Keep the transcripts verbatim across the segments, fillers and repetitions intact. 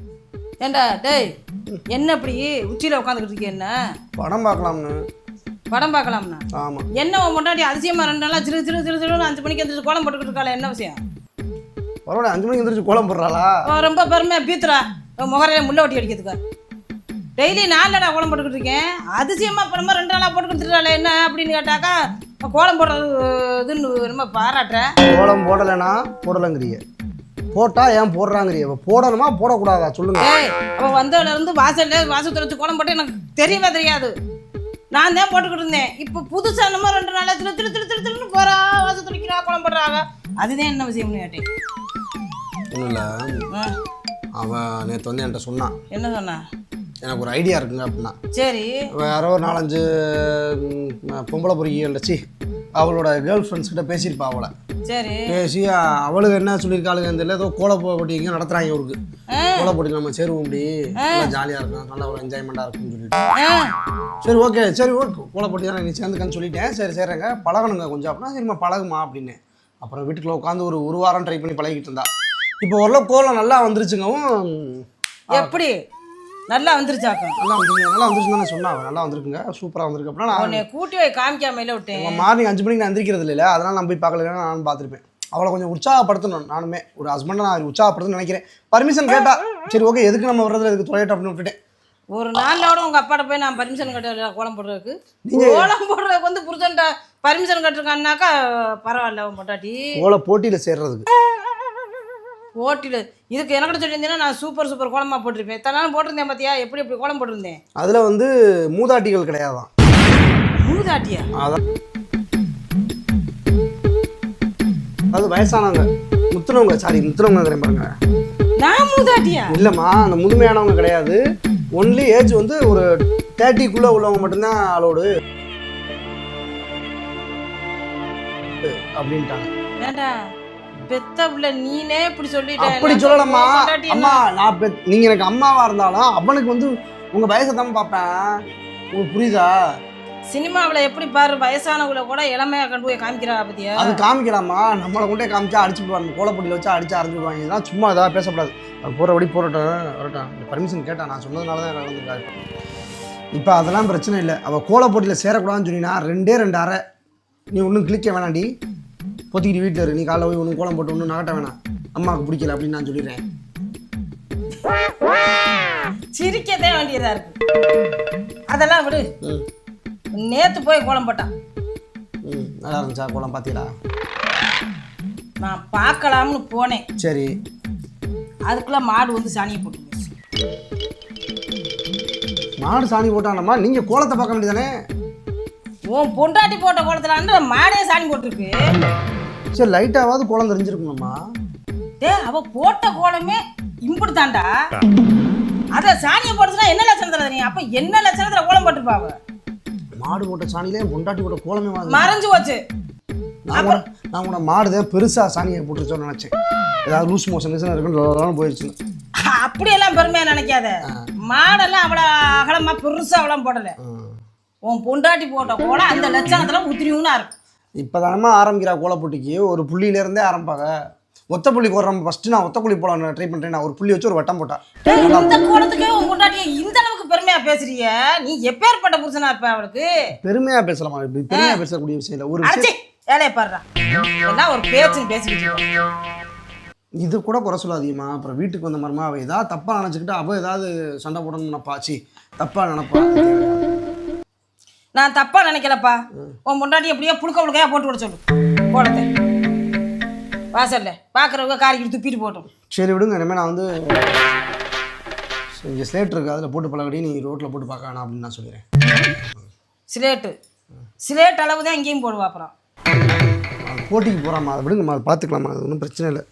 ஏண்டா டேய் என்ன இப்படி உச்சியில் உட்காந்துக்கிட்டு இருக்கீங்க? என்ன படம் பார்க்கலாம்னு. படம் பார்க்கலாம்னா? ஆமாம். என்ன உன் முன்னாடி அதிசயமாக ரெண்டு நாளாக சிறு சிறு சிறு சிறுன்னு அஞ்சு மணிக்கு எந்திரிச்சு கோலம் போட்டுக்கிட்டு இருக்காளே, என்ன விஷயம்? பரவாயில்ல, அஞ்சு மணிக்கு எந்திரிச்சு கோலம் போடுறாளா? ரொம்ப பெருமையாக பீத்துறா முகரையில முள்ள ஒட்டி அடிக்கிறதுக்கு. டெய்லி நாலடா கோலம் போட்டுக்கிட்டு இருக்கேன், அதிசயமாக அப்புறமா ரெண்டு நாளாக போட்டுக்கிட்டு இருக்காளே என்ன அப்படின்னு கேட்டாக்கா கோலம் போடுறது இதுன்னு ரொம்ப பாராட்டுறேன். கோலம் போடலைன்னா போடலைங்கிறிய, போட்டா ஏன் போடுறாங்கிறிய, போடணுமா போடக்கூடாதா சொல்லுங்க. அவள் வந்ததுல இருந்து வாசல்ல வாசத்துல வச்சு கோலம் போட்டு எனக்கு தெரியவே தெரியாது. நான் தான் போட்டுக்கிட்டு இருந்தேன். இப்போ புதுசா நம்ம ரெண்டு நாளா திரு திரு திரு திரு திருன்னு போறா, வாசல் துடிக்கிறா, கோலம் போடுறாங்க. அதுதான் என்ன விஷயம்னு கேட்டேன். ஒன்றும் இல்லை, அவன் நேற்று வந்து என்கிட்ட சொன்னான். என்ன சொன்னா? எனக்கு ஒரு ஐடியா இருக்குங்க அப்படின்னா. சரி. யாரோ ஒரு நாலஞ்சு பொம்பளை பொறுக்கிகள் சி அவளோட கேர்ள் ஃப்ரெண்ட்ஸ் கிட்ட பேசியிருப்பா அவளை. சரி. பேசி அவளுக்கு என்ன சொல்லியிருக்காளுங்க தெரியல, ஏதோ கோல போட்டி இங்கே நடத்துகிறாங்க அவருக்கு. கோல போட்டி நம்ம சேருவோம், அப்படி நல்லா ஜாலியாக இருக்கும், நல்லா ஒரு என்ஜாய்மெண்ட்டாக இருக்கும்னு சொல்லிட்டு. சரி ஓகே சரி ஓகே கோல போட்டி தான் நீ சேர்ந்துக்கன்னு சொல்லிட்டேன். சரி சரிங்க பழகணுங்க கொஞ்சம் அப்படின்னா, சரிம்மா பழகுமா அப்படின்னு. அப்புறம் வீட்டுக்குள்ள உட்காந்து ஒரு ஒரு வாரம் ட்ரை பண்ணி பழகிட்டு இருந்தா. இப்போ ஓரளவு கோலம் நல்லா வந்துருச்சுங்கவும். எப்படி நல்லா வந்துருச்சாக்கும்? நல்லா வந்துருங்க, நல்லா வந்துருச்சுன்னு தானே சொன்னா. நல்லா வந்துருக்குங்க, சூப்பராக வந்துருக்கு அப்படின்னா. நான் கூட்டி வை காமிக்காமையில விட்டேன். மார்னிங் அஞ்சு மணிக்கு நான் எந்திரிக்கிறது இல்லை, அதனால் நான் போய் பார்க்கல, நானும் பார்த்துருப்பேன். அவளை கொஞ்சம் உற்சாகப்படுத்தணும். நானுமே ஒரு ஹஸ்பண்டை நான் உற்சாகப்படுத்தணும்னு நினைக்கிறேன். பர்மிஷன் கேட்டா சரி ஓகே எதுக்கு நம்ம வர்றதுல எதுக்கு தொலைட்டோம் அப்படின்னு விட்டுட்டேன். ஒரு நாளோட உங்க அப்பாட்ட போய் நான் பர்மிஷன் கட்ட கோலம் போடுறதுக்கு, கோலம் போடுறதுக்கு வந்து புருஷன்ட்ட பர்மிஷன் கட்டிருக்கான்னாக்கா பரவாயில்ல. உன் பொட்டாட்டி கோல போட்டியில் சேர்றதுக்கு போட்டியில் இதுக்கு எனக்கிட்ட சொல்லியிருந்தேன்னா நான் சூப்பர் சூப்பர் கோலமாக போட்டிருப்பேன். இத்தனை நாள் போட்டிருந்தேன் பார்த்தியா, எப்படி எப்படி கோலம் போட்டிருந்தேன். அதில் வந்து மூதாட்டிகள் கிடையாதான். மூதாட்டியா? அதான் அது வயசானவங்க, முத்துனவங்க, சாரி முத்துனவங்க பாருங்க. நான் மூதாட்டியா? இல்லைம்மா, அந்த முதுமையானவங்க கிடையாது. ஒன்லி ஏஜ் வந்து ஒரு தேர்ட்டிக்குள்ளே உள்ளவங்க மட்டும்தான் அலோடு அப்படின்ட்டாங்க. ஏண்டா பெத்த பிள்ளை நீனே இப்படி சொல்லிட்ட? அப்படி சொல்லலாமா அம்மா, நான் பெ நீங்கள் எனக்கு அம்மாவாக இருந்தாலும் அவனுக்கு வந்து உங்கள் வயசை தான் பார்ப்பேன். உங்களுக்கு புரியுதா? சினிமாவில் எப்படி பாரு, வயசானவங்களை கூட இளமையாக கொண்டு போய் காமிக்கிறா பத்தியா? அது காமிக்கலாமா? நம்மளை கொண்டே காமிச்சா அடிச்சு போவாங்க, கோலப்பொடியில் வச்சா அடிச்சு அரைஞ்சிடுவாங்க. இதெல்லாம் சும்மா ஏதாவது பேசக்கூடாது. அது போகிறபடி போராட்டம் வரட்டும். பர்மிஷன் கேட்டான், நான் சொன்னதுனால தான் நடந்துருக்காரு. இப்போ அதெல்லாம் பிரச்சனை இல்லை. அவள் கோலப்பொடியில் சேரக்கூடாதுன்னு சொன்னீங்கன்னா ரெண்டே ரெண்டு அரை நீ ஒன்றும் கிளிக்க வேணாண்டி, பொத்திக்கிட்டு வீட்டில் இரு. நீ காலைல போய் ஒன்றும் கோலம் போட்டு ஒன்றும் நகட்ட வேணாம், அம்மாவுக்கு பிடிக்கல அப்படின்னு நான் சொல்லிடுறேன். சிரிக்கதே வேண்டியதாக இருக்கு. அதெல்லாம் விடு. நேற்று போய் கோலம் போட்டான். ம் நல்லா இருந்துச்சா கோலம்? பார்த்தீங்களா? நான் பார்க்கலாம்னு போனேன். சரி. அதுக்குள்ளே மாடு வந்து சாணியை போட்டு மாடு சாணி போட்டானம்மா, நீங்கள் கோலத்தை பார்க்க வேண்டியதானே? உன் பொண்டாட்டி போட்ட கோலத்துல மாடே சாணி போட்டிருக்கு. சரி லைட்டாவது கோலம் தெரிஞ்சிருக்கணும்மா. டே அவ போட்ட கோலமே இம்புட்டு தாண்டா, அத சாணியை போட்டுச்சுன்னா என்ன லட்சணம் தரது நீ? அப்ப என்ன லட்சணத்துல கோலம் போட்டுருப்பாவ? மாடு போட்ட சாணியிலே பொண்டாட்டி போட்ட கோலமே வாங்க மறைஞ்சு போச்சு. நான் கூட நான் கூட மாடுதான் பெருசா சாணியை போட்டுருச்சோன்னு நினைச்சேன். ஏதாவது லூஸ் மோஷன் இருக்குன்னு போயிடுச்சுன்னு. அப்படியெல்லாம் பெருமையா நினைக்காத. மாடெல்லாம் அவ்வளோ அகலமா பெருசா அவ்வளோ போடல. உன் பொண்டாட்டி போட்ட கோலம் அந்த லட்சணத்துல உத்திரியும்னா இருக்கும். இப்போதானமா ஆரம்பிக்கிறா கோல போட்டிக்கு. ஒரு புள்ளியிலேருந்தே ஆரம்பிப்பாங்க. ஒத்த புள்ளி போடுறோம். ஃபர்ஸ்ட் நான் ஒத்த புள்ளி போட ட்ரை பண்ணுறேன். நான் ஒரு புள்ளி வச்சு ஒரு வட்டம் போட்டேன். இந்த கோலத்துக்கே உன் பொண்டாட்டியை இந்த அளவுக்கு பெருமையா பேசுறிய, நீ எப்பேற்பட்ட புருஷனா இருப்ப? அவளுக்கு பெருமையா பேசலாமா? இப்படி பெருமையா பேசக்கூடிய விஷயம் இல்லை. ஒரு விஷயம் வேலையை பாடுறா, என்ன ஒரு பேச்சுன்னு பேசிக்கிட்டு. இது கூட குறை சொல்லாதீங்கம்மா. அப்புறம் வீட்டுக்கு வந்த மாதிரிமா அவள் ஏதாவது தப்பாக நினச்சிக்கிட்டு அவள் ஏதாவது சண்டை போடணும்னு நினைப்பாச்சு, தப்பாக நினைப்பா. நான் தப்பா நினைக்கலப்பா. உன் பொண்டாட்டி எப்படியோ புழுக்க புழுக்கையா போட்டு விட சொல்லு கோலத்தை. வாசல்ல பார்க்குறவங்க காரிக்கிட்டு துப்பிட்டு போட்டோம். சரி விடுங்க, இனிமேல் நான் வந்து இங்கே ஸ்லேட் இருக்குது, அதில் போட்டு பழகடி, நீ ரோட்டில் போட்டு பார்க்க வேணாம் அப்படின்னு நான் சொல்லிடுறேன். ஸ்லேட்டு ஸ்லேட் அளவு தான் இங்கேயும் போடுவா. அப்புறம் போட்டிக்கு போகிறாம்மா, அதை விடுங்கம்மா, அதை பார்த்துக்கலாமா, அது ஒன்றும் பிரச்சனை இல்லை.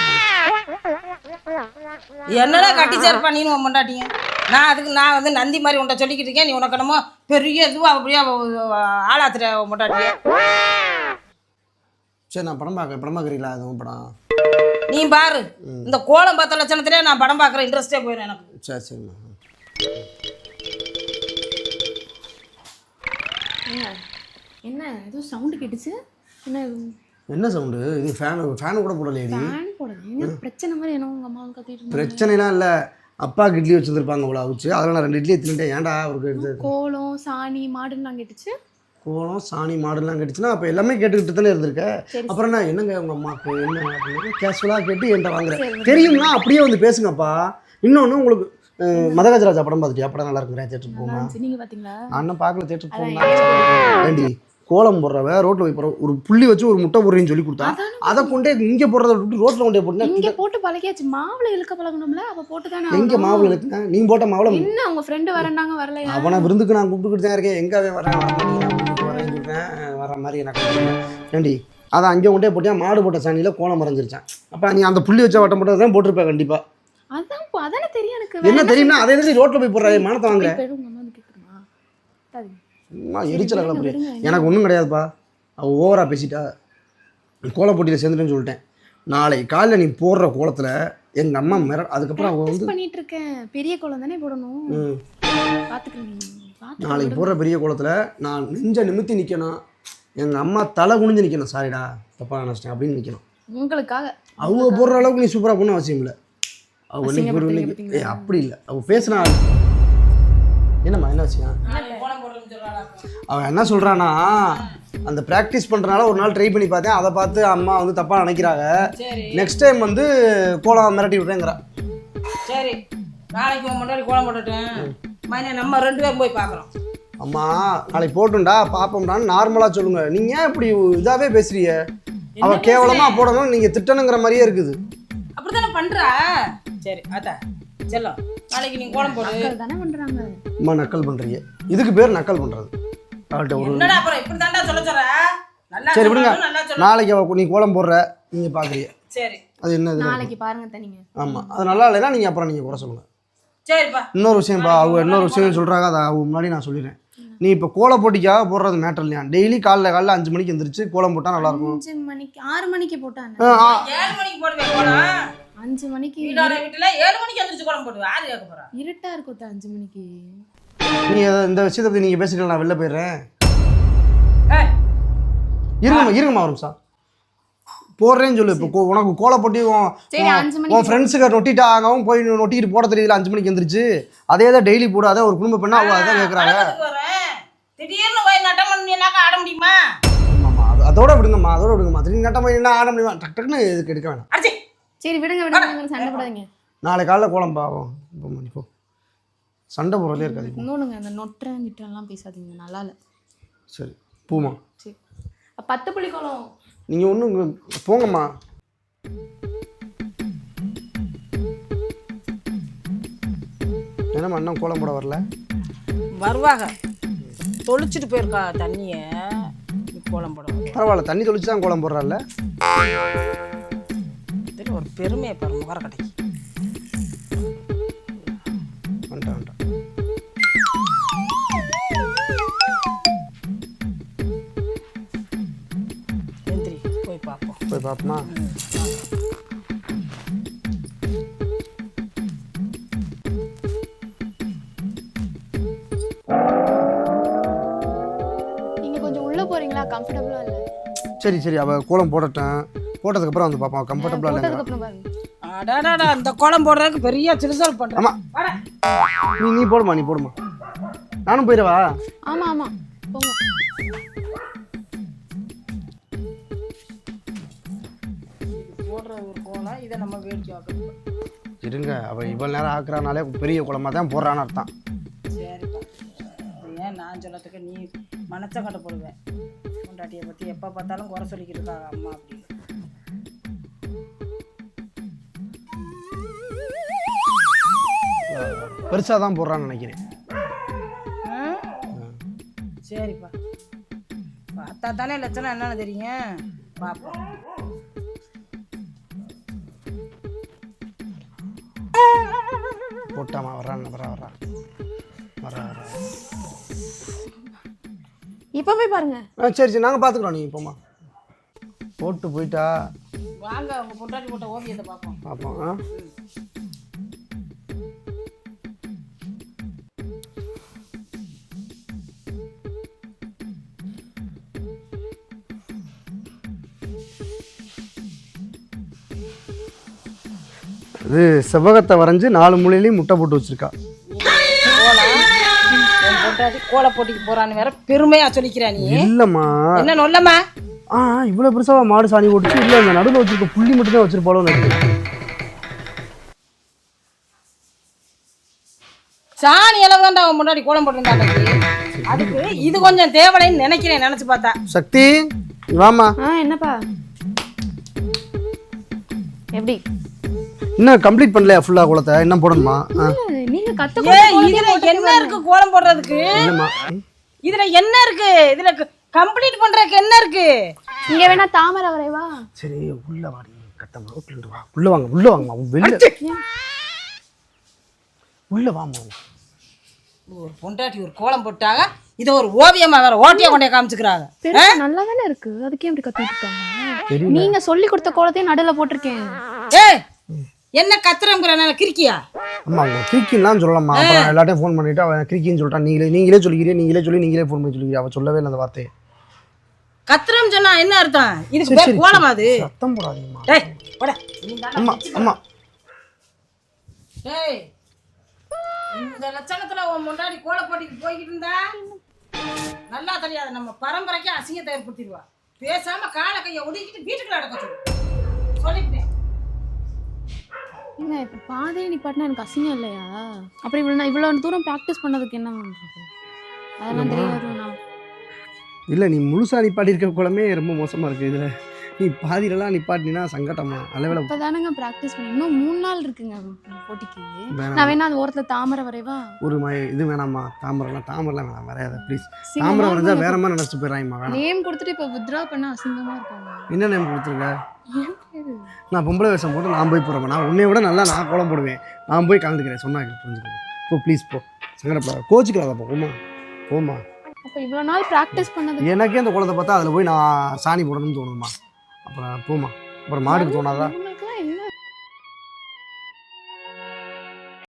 என்னடா கட்டி சேர்ப்பா நீனு உன் பொண்டாட்டிங்க? நான் அதுக்கு நான் வந்து நந்தி மாதிரி உன்ட்ட சொல்லிக்கிட்டு இருக்கேன். நீ உனக்கு என்னமோ பெரிய இதுவாக அப்படியே ஆளாத்துற உன் பொண்டாட்டிய. சரி நான் படம் பார்க்குறேன். படம் பார்க்குறீங்களா? அதுவும் படம் நீ பாரு. இந்த கோலம் பார்த்த லட்சணத்திலே நான் படம் பார்க்குற இன்ட்ரெஸ்டே போயிடும் எனக்கு. சரி சரிம்மா. என்ன ஏதோ சவுண்டு கேட்டுச்சு? என்ன என்ன சவுண்டு? இது ஃபேனு ஃபேனு கூட போடலையே. ஃபேன் போடல. என்ன பிரச்சனை மாதிரி என்ன உங்கள் அம்மா கத்திட்டு? பிரச்சனைலாம் இல்லை. அப்பாவுக்கு இட்லி வச்சுருந்துருப்பாங்க அவ்வளோ அவிச்சு அதில் நான் ரெண்டு இட்லியை தின்னுட்டேன். ஏன்டா அவருக்கு எடுத்து கோலம் சாணி மாடுலாம் கேட்டுச்சு. கோலம் சாணி மாடுலாம் கேட்டுச்சுன்னா அப்போ எல்லாமே கேட்டுக்கிட்டு தானே இருந்திருக்க. சரி. அப்புறம் என்ன என்னங்க உங்கள் அம்மாவுக்கு என்ன அப்படின்னு கேஷுவலாக கேட்டு என்கிட்ட வாங்குறேன். தெரியும்னா அப்படியே வந்து பேசுங்கப்பா. இன்னொன்று உங்களுக்கு அஹ், மதகஜராஜா படம் பார்த்துட்டியா? படம் நல்லா இருக்குறேன், தேட்டருக்கு போமா? நீங்க பாத்தீங்களா? நான் இன்னும் பார்க்கல, தேட்டருக்கு போகணும். ஏண்டி கோலம் போடுறவ ரோட்டில் போய் போகிற ஒரு புள்ளி வச்சு ஒரு முட்டை போடுறேன்னு சொல்லி கொடுத்தா அதை கொண்டே இங்கே போடுறத விட்டு ரோட்டில் கொண்டே போட்டுனா இங்க போட்டு பழகியாச்சு. மாவுல இழுக்க பழகணும்ல, அப்ப போட்டு தானே எங்கே மாவுல இருக்குங்க? நீ போட்ட மாவுல என்ன உங்க ஃப்ரெண்டு வரண்டாங்க வரலையா? அவனை விருந்துக்கு நான் கூப்பிட்டுக்கிட்டு தான் இருக்கேன். எங்கே அவன் வரேன் வர மாட்டேங்கிறான் வரேன்னு சொல்கிறேன், வர மாதிரி எனக்கு ஏண்டி அதை அங்கே கொண்டே போட்டியா மாடு போட்ட சாணியில் கோலம் மறைஞ்சிருச்சான். அப்போ நீ அந்த புள்ளி வச்ச வட்டம் போட்டது தான் போட்டிருப்பேன் கண்டிப்பாக. அதான் அதானே தெரியும் எனக்கு. என்ன தெரியும்னா அதே மாதிரி ரோட்டில் போய் போடுற மானத்தை வாங்குறேன். சும்மா எரிச்சல கலப்புறேன். எனக்கு ஒன்றும் கிடையாதுப்பா, அவள் ஓவராக பேசிட்டா. கோல போட்டியில் சேர்ந்துட்டேன்னு சொல்லிட்டேன். நாளைக்கு காலையில் நீ போடுற கோலத்தில் எங்கள் அம்மா மிர அதுக்கப்புறம் அவள் வந்து பண்ணிட்டு இருக்கேன். பெரிய கோலம் தானே போடணும். ம் பாத்துக்கிறேன். நாளைக்கு போடுற பெரிய கோலத்தில் நான் நெஞ்ச நிமித்தி நிற்கணும். எங்கள் அம்மா தலை குனிஞ்சு நிற்கணும். சாரிடா தப்பாக நினச்சிட்டேன் அப்படின்னு நிற்கணும். உங்களுக்காக அவங்க போடுற அளவுக்கு நீ சூப்பராக போகணும் அவசியம் இல்லை. அவள் இன்னைக்கு ஒரு இன்னைக்கு ஏ அப்படி இல்லை. அவள் பேசினா என்னம்மா என்ன வச்சுக்கா அவன் என்ன சொல்கிறான்னா அந்த ப்ராக்டிஸ் பண்ணுறனால ஒரு நாள் ட்ரை பண்ணி பார்த்தேன். அதை பார்த்து அம்மா வந்து தப்பாக நினைக்கிறாங்க. நெக்ஸ்ட் டைம் வந்து கோலம் மிரட்டி விட்றேங்கிறா. சரி நாளைக்கு உன் முன்னாடி கோலம் போட்டுட்டேன் மைனே, நம்ம ரெண்டு பேரும் போய் பார்க்குறோம். அம்மா நாளைக்கு போட்டுண்டா பார்ப்போம்டான்னு நார்மலாக சொல்லுங்க. நீங்கள் ஏன் இப்படி இதாகவே பேசுறீங்க? அவள் கேவலமாக போடணும் நீங்கள் திட்டணுங்கிற மாதிரியே இருக்குது. அப்படி தானே பண்ணுறா. சரி அத்தா செல்லம் நாளைக்கு நீங்கள் கோலம் போடு தானே பண்றாங்க. அம்மா நக்கல் பண்ணுறீங்க. இதுக்கு பேர் நக்கல் பண்ணுறது. அவள்கிட்ட ஒரு என்னடா அப்புறம் இப்படி தாண்டா சொல்ல சொல்ற. நல்லா சரி விடுங்க. சொல்லணும், நல்லா சொல்லணும். நாளைக்கு அவள் நீ கோலம் போடுற நீங்கள் பார்க்குறீங்க. சரி அது என்னது? நாளைக்கு பாருங்க தனிங்க. ஆமாம் அது நல்லா இல்லைன்னா நீங்கள் அப்புறம் நீங்கள் குறை சொல்லுங்கள். சரிப்பா. இன்னொரு விஷயம்ப்பா, அவங்க இன்னொரு விஷயம் சொல்கிறாங்க, அதை அவங்க முன்னாடி நான் சொல்லிடுறேன். நீ இப்போ கோலம் போட்டிக்காக போடுறது மேட்டர் இல்லையா? டெய்லி காலைல காலைல அஞ்சு மணிக்கு எந்திரிச்சு கோலம் போட்டால் நல்லாயிருக்கும். அஞ்சு மணிக்கு ஆறு மணிக்கு போட்டாங்க. ஏழு மணிக்கு போடுவேன் கோலம். அஞ்சு மணிக்கு வீடார வீட்டுல ஏழு மணிக்கு எந்திரிச்சு கோலம் போடுவேன். யாரு கேட்க போறா? இருட்டா இருக்கும் அஞ்சு மணிக்கு. நீ இந்த விஷயத்தை பற்றி நீங்கள் பேசிட்டு நான் வெளில போயிடுறேன். ஏய் இருங்கம்மா இருங்கம்மா ஒரு நிமிஷம் போடுறேன்னு சொல்லு. இப்போ உனக்கு கோல போட்டி சரி அஞ்சு மணிக்கு உன் ஃப்ரெண்ட்ஸுக்கு நொட்டிட்டு ஆகவும் போய் நொட்டிட்டு போட தெரியல அஞ்சு மணிக்கு எந்திரிச்சு அதே தான் டெய்லி போடாத ஒரு குடும்ப பெண்ணா அவள் அதான் கேட்குறாங்க. திடீர்னு போய் நட்டம் பண்ணினாக்கா ஆட முடியுமா? ஆமாம்மா அது அதோட விடுங்கம்மா அதோட விடுங்கம்மா. திடீர்னு நட்டம் பண்ணி என்ன ஆட முடியுமா? டக்கு டக்குன்னு இதுக்கு எடுக்க வேணாம். அடிச்சி சரி விடுங்க விடுங்க, சண்டை போடாதீங்க. நாளை காலைல கோலம் பாவம் இப்போ மணி போ சண்டை போடுறதே இருக்காது. இன்னொன்னுங்க அந்த நொட்டுறேன் கிட்டலாம் பேசாதீங்க, நல்லா இல்லை. சரி பூமா சரி பத்து புள்ளி கோலம் நீங்கள் ஒன்றும் போங்கம்மா. என்னம்மா இன்னும் கோலம் போட வரல? வருவாங்க, தொளிச்சிட்டு போயிருக்கா தண்ணிய. கோலம் போட பரவாயில்ல, தண்ணி தொளிச்சு தான் கோலம் போடுறாள்ல. ஒரு பெருமையை பாரு முகர கடைக்கு. வேண்டாம் வேண்டாம் எந்திரி போய் பார்ப்போம். போய் பார்ப்போமா? நீங்க கொஞ்சம் உள்ள போறீங்களா? கம்ஃபர்டபுளா இல்ல. சரி சரி அவள் கோலம் போடட்டேன், போட்டதுக்கப்புறம் வந்து பார்ப்போம் கம்ஃபர்டபுளாக இல்லைங்க. போட்டதுக்கு அப்புறம் பாருங்க. அடாடாடா அந்த கோலம் போடுறதுக்கு பெரிய சிறுசல் பண்றேன். ஆமாம் நீ நீ போடுமா நீ போடுமா நானும் போயிடவா? ஆமா ஆமா போங்க. போடுற ஒரு கோலம் இதை நம்ம வேடிக்கை பார்க்கணும். இருங்க, அவள் இவ்வளோ நேரம் ஆக்குறானாலே பெரிய குளமாக தான் போடுறான்னு அர்த்தம். சரிப்பா, ஏன் நான் சொல்லத்துக்கு நீ மனசை கட்ட போடுவேன். பொண்டாட்டியை பற்றி எப்போ பார்த்தாலும் குறை சொல்லிக்கிட்டு இருக்காங்க அம்மா அப்படின்னு. பெருசாக தான் போடுறான்னு நினைக்கிறேன். சரிப்பா, பார்த்தா தானே லட்சணம் என்னன்னு தெரியும். பார்ப்போம். போட்டாமா வர்றான் வரா வரா வரா வரா இப்போ போய் பாருங்க. ஆ சரி சரி நாங்கள் பார்த்துக்குறோம். நீங்கள் போமா போட்டு போயிட்டா வாங்க உங்கள் பொண்டாட்டி போட்ட ஓவியத்தை பார்ப்போம். பார்ப்போம். ஆ இது செவ்வகத்தை வரைஞ்சி நாலு மூலையிலையும் முட்டை போட்டு வச்சிருக்கா. கோலம் என் பொண்டாட்டி கோல போட்டிக்கு போறான்னு வேற பெருமையா சொல்லிக்கிறா நீ. இல்லம்மா. என்ன நொல்லம்மா? ஆ இவ்வளோ பெருசாக மாடு சாணி போட்டுச்சு. இல்லை அந்த நடுவில் வச்சிருக்க புள்ளி மட்டும் தான் வச்சிருப்பாளோ நினைக்கிறேன். சாணி அளவு தான்டா அவன் முன்னாடி கோலம் போட்டிருந்தாங்க. அதுக்கு இது கொஞ்சம் தேவலைன்னு நினைக்கிறேன். நினைச்சு பார்த்தா. சக்தி வாமா. ஆ என்னப்பா எப்படி இன்னும் கம்ப்ளீட் பண்ணலையா ஃபுல்லா கோலத்தை? இன்னும் போடணுமா? நீங்க கத்த ஏ இதுல என்ன இருக்கு கோலம் போடுறதுக்கு? இல்லம்மா. இதுல என்ன இருக்கு? இதுல கம்ப்ளீட் பண்றதுக்கு என்ன இருக்கு? இங்க வேணா தாமரை வரைவா. சரி உள்ள வாடி கட்டமா ரோட்ல வா. உள்ள வாங்க உள்ள வாங்கம்மா. வெளில உள்ள வாமா. ஒரு பொண்டாட்டி ஒரு கோலம் போட்டாங்க. இதை ஒரு ஓவியமா வேற ஓட்டியா கொண்டே காமிச்சுக்கிறாங்க. நல்லா தானே இருக்கு. அதுக்கே எப்படி கத்திட்டு இருக்காங்க? நீங்க சொல்லி கொடுத்த கோலத்தையும் நடுல போட்டிருக்கேன். ஏய் என்ன கத்துறங்கிற கிறுக்கியா? அம்மா அவங்க கிறுக்கின்னு சொல்லலாமா? அப்புறம் எல்லாத்தையும் ஃபோன் பண்ணிட்டு அவன் கிறுக்கின்னு சொல்லிட்டான். நீங்களே நீங்களே சொல்லிக்கிறீங்க. நீங்களே சொல்லி நீங்களே ஃபோன் பண்ணி சொல்லிக்கிறீங்க. அவன் சொல்லவே இல்லை அந்த வார்த்தையை. கத்துறம் சொன்னா என்ன அர்த்தம்? இதுக்கு பேர் கோலமா? அது சத்தம் போடாதீங்கம்மா. டேய் போடா. அம்மா அம்மா. டேய் இந்த லட்சணத்துல உன் முன்னாடி கோல போட்டிக்கு போய்கிட்டு இருந்தா நல்லா தெரியாது. நம்ம பரம்பரைக்கு அசிங்கத்தை ஏற்படுத்திடுவா. பேசாம காலை கையை ஒதுக்கிட்டு வீட்டுக்குள்ள அடக்க சொல்லு. சொல்லிட்டேன். என்ன இப்போ பாதையை நிப்பாட்டினா எனக்கு அசிங்கம் இல்லையா? அப்புறம் இவ்வளோ இவ்வளோ தூரம் ப்ராக்டிஸ் பண்ணதுக்கு என்ன பண்ணுறது? அதெல்லாம் தெரியாது. நான் இல்லை நீ முழுசாக நிப்பாட்டி இருக்க கோலமே ரொம்ப மோசமாக இருக்குது. இதில் நீ பாதியிலலாம் நிப்பாட்டினா சங்கட்டமா? அளவில் இப்போ தானேங்க ப்ராக்டிஸ் பண்ணி இன்னும் மூணு நாள் இருக்குங்க போட்டிக்கு. நான் வேணா அந்த ஓரத்தில் தாமரை வரைவா. ஒரு ம இது வேணாம்மா. தாமரைலாம் தாமரைலாம் வேணாம் வரையாத ப்ளீஸ். தாமரை வரைஞ்சா வேற மாதிரி நினச்சிட்டு போயிடறாங்கம்மா. வேணாம். நேம் கொடுத்துட்டு இப்போ வித்ரா பண்ண அசிங்கமாக இருக்காங்க. என்ன நேம் கொடுத்துருக்க? நான் பொம்பளை வேஷம் போட்டு நான் போய் போகிறேன். நான் உன்னை விட நல்லா நான் கோலம் போடுவேன். நான் போய் கலந்துக்கிறேன். சொன்னா புரிஞ்சுக்கிறேன். போ ப்ளீஸ் போ. சங்கடப்படாத. கோச்சிக்கலாதப்பா. போமா போமா. அப்போ இவ்வளோ நாள் ப்ராக்டிஸ் பண்ணது எனக்கே அந்த கோலத்தை பார்த்தா அதில் போய் நான் சாணி போடணும்னு தோணுமா? அப்புறம் போமா. அப்புறம் மாடுக்கு தோணாதா?